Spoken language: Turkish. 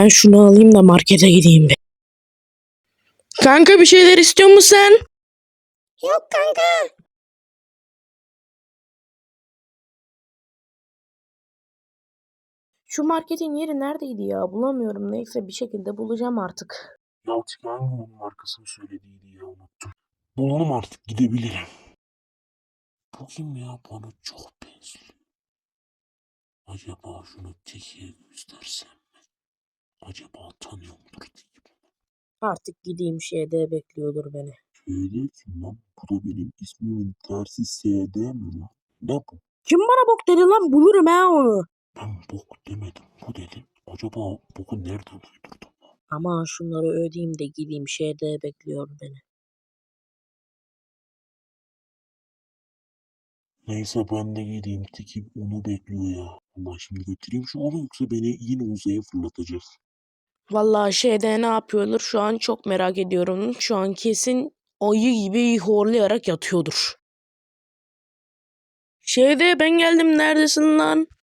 Ben şunu alayım da markete gideyim bir. Kanka bir şeyler istiyor musun sen? Yok kanka. Şu marketin yeri neredeydi ya? Bulamıyorum. Neyse bir şekilde bulacağım artık. Ya hangi onun markasını söylediydi ya, unuttum. Bulalım artık, gidebilirim. Bu kim ya, bana çok benziyor. Acaba şunu Teki'ye göstersem mi? Acaba tanıyor mudur Teki? Artık gideyim şeyde bekliyordur beni. Şöyle kim lan? Bu da benim ismimin tersi SD mi lan? Ne bu? Kim bana bok dedi lan? Bulurum ha onu. Ben bok demedim, bu dedim. Acaba boku nereden uydurdum? Ama şunları ödeyeyim de gideyim şeyde bekliyor beni. Neyse ben de gideyim, Teki onu bekliyor ya. Allah, şimdi götüreyim şu onu, yoksa beni yine uzaya fırlatacak. Vallahi şeyde ne yapıyordur şu an çok merak ediyorum. Şu an kesin ayı gibi horlayarak yatıyordur. Şeyde ben geldim, neredesin lan?